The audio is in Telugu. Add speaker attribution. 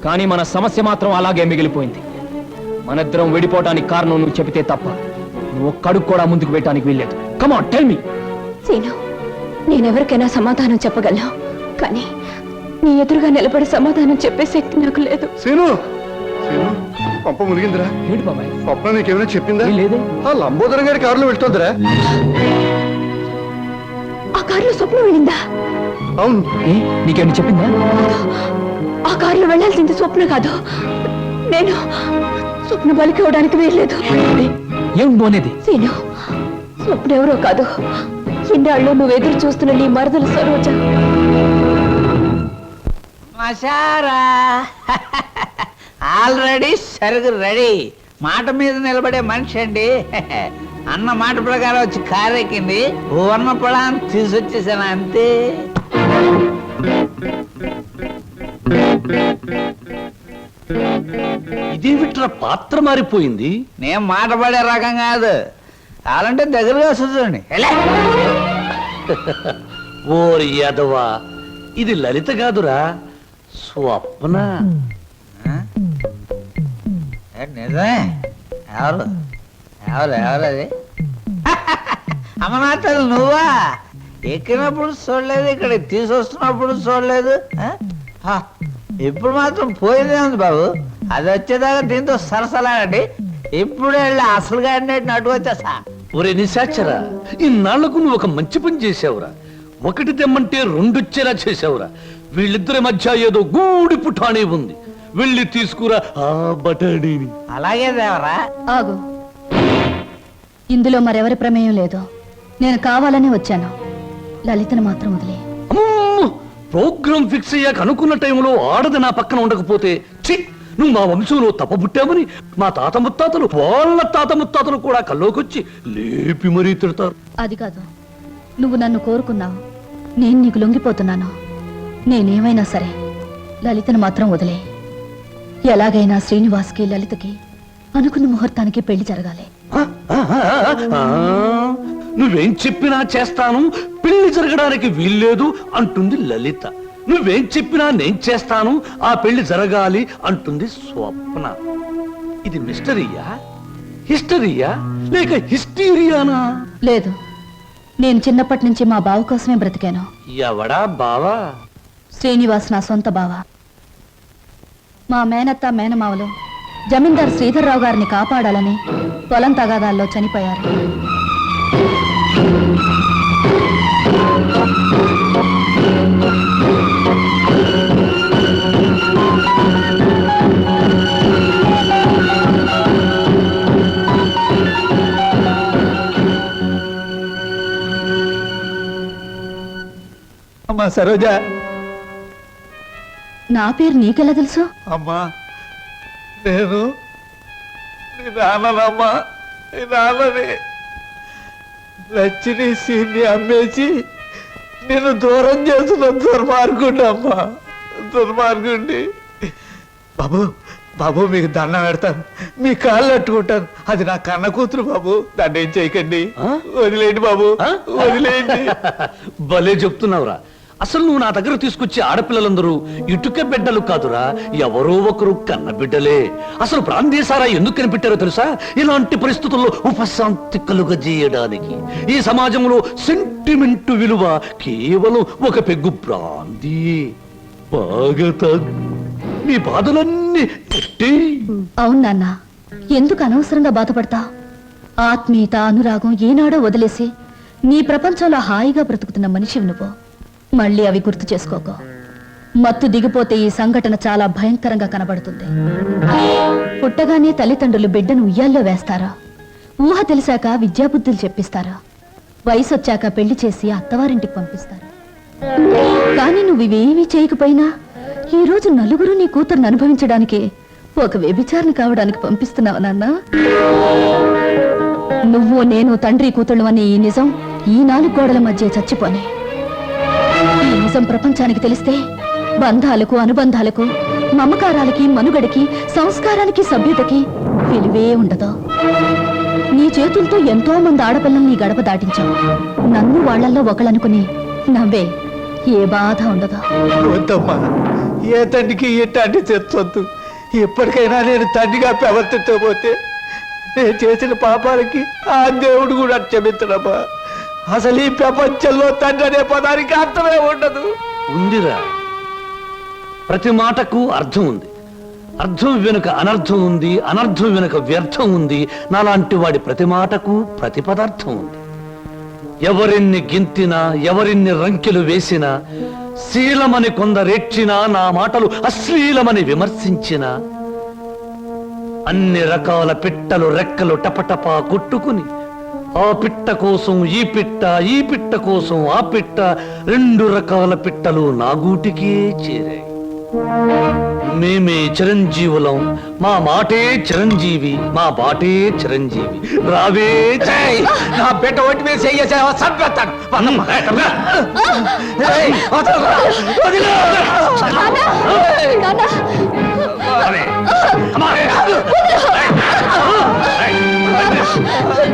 Speaker 1: కానీ మన సమస్య మాత్రం అలాగే మిగిలిపోయింది. మనిద్దరం విడిపోవడానికి కారణం నువ్వు చెబితే తప్ప నువ్వు ఒక్కడుగు కూడా ముందుకు పెట్టడానికి వీల్లేదు. Come on tell me.
Speaker 2: Seenu, నేనెవరికైనా సమాధానం చెప్పగలను, కానీ నీ ఎదురుగా నిలబడి సమాధానం చెప్పే శక్తి నాకు లేదు.
Speaker 3: సీను, పంప మునిగిందిరా.
Speaker 1: ఏంటి బాబాయ్?
Speaker 3: స్వప్న నీకేమైనా చెప్పిందా?
Speaker 1: లేదే.
Speaker 3: ఆ లంబోదరం గారి కారులో వెళ్తుందిరా.
Speaker 2: ఆ కారులో స్వప్న వెళ్ళిందా?
Speaker 3: అవును.
Speaker 1: నీకేమైనా చెప్పిందా?
Speaker 2: ఆ కారులో వెళ్ళాల్సింది స్వప్న కాదు, నేను. స్వప్న బలికి ఇవ్వడానికి వీల్లేదు.
Speaker 1: ఏం అనేది?
Speaker 2: సీను, స్వప్న ఎవరో కాదు, ఇన్నాళ్ళు నువ్వు ఎదురు చూస్తున్న నీ మరదలు సరోజ.
Speaker 4: మసారా ఆల్రెడీ సరుగు రెడీ. మాట మీద నిలబడే మనిషి అండి. అన్న మాట ప్రకారం వచ్చి కారెక్కింది. వర్ణ పొలాన్ని తీసుకొచ్చేసాను అంతే.
Speaker 5: ఇదేమిట్రా పాత్ర మారిపోయింది?
Speaker 4: నేను మాట పడే రకం కాదు, కావాలంటే దగ్గరగా వస్తుంది.
Speaker 5: ఓరి యాదవా, ఇది లలిత కాదురా, స్వప్న.
Speaker 4: నిజమే. ఎవరు ఎవరు ఎవరు అది? అమ్మనాథలు నువ్వా? ఎక్కినప్పుడు చూడలేదు, ఇక్కడ తీసుకొస్తున్నప్పుడు చూడలేదు. ఇప్పుడు మాత్రం పోయిందే ఉంది బాబు. అది వచ్చేదాకా దీంతో సరసలాడండి. ఇప్పుడు వెళ్ళి అసలుగా నటు వచ్చేసా.
Speaker 5: ఒరే నిశాచరా, ఇన్నాళ్లకు నువ్వు ఒక మంచి పని చేసావురా. ఒకటి తెమ్మంటే రెండొచ్చేలా చేసావురా. వీళ్ళిద్దరి మధ్య ఏదో గూడి పుఠానే ఉంది. వెళ్ళి తీసుకురా ఆ బటాడీని.
Speaker 4: అలాగే దేవరా.
Speaker 2: ఆగు, ఇందులో మరెవరి ప్రమేయం లేదు. నేను కావాలని వచ్చాను. లలితను మాత్రం వదిలే.
Speaker 5: ప్రోగ్రామ్ ఫిక్స్ అయ్యాక అనుకున్న టైంలో ఆడది నా పక్కన ఉండకపోతే, ఛీ, నువ్వు మా వంశంలో తప్పబుట్టామని మా తాత ముత్తాతలు, వాళ్ళ తాత ముత్తాతలు కూడా కల్లోకొచ్చి లేపి మరీ తిడతారు.
Speaker 2: అది కాదు, నువ్వు నన్ను కోరుకున్నావు, నేను నీకు లొంగిపోతున్నాను. నేనేమైనా సరే లలితను మాత్రం వదిలే. ఎలాగైనా శ్రీనివాస్కి లలితకి అనుకున్న ముహూర్తానికి పెళ్లి జరగాలి.
Speaker 5: నువ్వేం చెప్పినా చేస్తాను, పెళ్లి జరగడానికి వీల్లేదు అంటుంది లలిత. నువ్వేం చెప్పినా నేను చేస్తాను, ఆ పెళ్లి జరగాలి అంటుంది స్వప్న. ఇది మిస్టరీయా, హిస్టరీయా, లేక హిస్టీరియానా?
Speaker 2: లేదు, నేను చిన్నప్పటి నుంచి మా బావ కోసమే బ్రతికాను.
Speaker 5: ఎవడా బావా?
Speaker 2: శ్రీనివాస్ నా సొంత బావ. మా మేనత్త మేనమావలు జమీందార్ శ్రీధర్రావు గారిని కాపాడాలని పొలం తగాదాల్లో చనిపోయారు.
Speaker 4: అమ్మా సరోజ.
Speaker 2: నా పేరు నీకెలా తెలుసు?
Speaker 4: అమ్మా, నేను నీ నాన్ననమ్మా. నీ నాన్నని లచ్చిని సీన్ని అమ్మేసి నేను దూరం చేస్తున్న దుర్మార్గుండి అమ్మా, దుర్మార్గుండి. బాబు బాబు, మీకు దండం పెడతాను, మీ కాళ్ళు అట్టుకుంటాను. అది నా కన్న కూతురు బాబు, దాన్ని ఏం చేయకండి. వదిలేండి బాబు, వదిలేండి.
Speaker 5: భలే చెప్తున్నావురా. అసలు నువ్వు నా దగ్గర తీసుకొచ్చే ఆడపిల్లలందరూ ఇటుక బిడ్డలు కాదురా, ఎవరో ఒకరు కన్న బిడ్డలే. అసలు ప్రాంతీయసారా ఎందుకు కనిపెట్టారో తెలుసా? ఇలాంటి పరిస్థితుల్లో ఉపశాంతి కలుగజేయడానికి. ఈ సమాజంలో సెంటిమెంట్ విలువ కేవలం ఒక పెగ్గు బ్రాందీ. బాగా తాగు, నీ బాధలన్నీ.
Speaker 2: అవును నాన్న, ఎందుకు అనవసరంగా బాధపడతా? ఆత్మీయత, అనురాగం ఏనాడో వదిలేసి నీ ప్రపంచంలో హాయిగా బ్రతుకుతున్న మనిషివి నువ్వు. మళ్ళీ అవి గుర్తు చేసుకోకో. మత్తు దిగిపోతే ఈ సంఘటన చాలా భయంకరంగా కనబడుతుంది. పుట్టగానే తల్లిదండ్రులు బిడ్డను ఉయ్యాల్లో వేస్తారా? ఊహ తెలిసాక విద్యాబుద్ధులు చెప్పిస్తారా? వయసు వచ్చాక పెళ్లి చేసి అత్తవారింటికి పంపిస్తారా? కానీ నువ్వు ఇవేమీ చేయకపోయినా ఈ రోజు నలుగురు నీ కూతురుని అనుభవించడానికి ఒక వ్యభిచారణ కావడానికి పంపిస్తున్నావు నాన్న. నువ్వు నేను తండ్రి కూతుళ్ళు అనే ఈ నిజం ఈ 4 గోడల మధ్య చచ్చిపోనే. ఈ నిజం ప్రపంచానికి తెలిస్తే బంధాలకు, అనుబంధాలకు, మమకారాలకి, మనుగడకి, సంస్కారానికి, సభ్యతకి విలువే ఉండదు. నీ చేతులతో ఎంతో మంది ఆడపిల్లల్ని గడప దాటించావు. నన్ను వాళ్లల్లో ఒకళ్ళనుకుని నవ్వే, ఏ బాధ ఉండదు.
Speaker 4: వద్దమ్మా, ఏ తండ్రికి ఇట్లాంటి తెచ్చొద్దు. ఎప్పటికైనా నేను తండ్రిగా ప్రవర్తించకపోతే నేను చేసిన పాపాలకి ఆ దేవుడు కూడా క్షమించడమ్మా. అసలు ఈ ప్రపంచంలో తండ్రి అనే పదానికి అర్థమే ఉండదు.
Speaker 5: ఉందిరా, ప్రతి మాటకు అర్థం ఉంది. అర్థం వెనుక అనర్థం ఉంది, అనర్థం వెనుక వ్యర్థం ఉంది. నాలాంటి వాడి ప్రతి మాటకు ప్రతి పదార్థం ఉంది. ఎవరిన్ని గింతినా, ఎవరిన్ని రంకెలు వేసినా, శీలమని కొందరేడ్చినా, నా మాటలు అశ్లీలమని విమర్శించినా, అన్ని రకాల పిట్టలు రెక్కలు టపటపా కొట్టుకుని ఆ పిట్ట కోసం ఈ పిట్ట, ఈ పిట్ట కోసం ఆ పిట్ట, 2 రకాల పిట్టలు నా గూటికే చేరాయి. మేమే చిరంజీవులం, మా మాటే చిరంజీవి, మా బాటే చిరంజీవి. రావే
Speaker 4: ఏయ్, నా బిడ్డ ఒంటి మీద చెయ్యేసావా చంపేస్తాను.
Speaker 5: అరే, అమ్మా.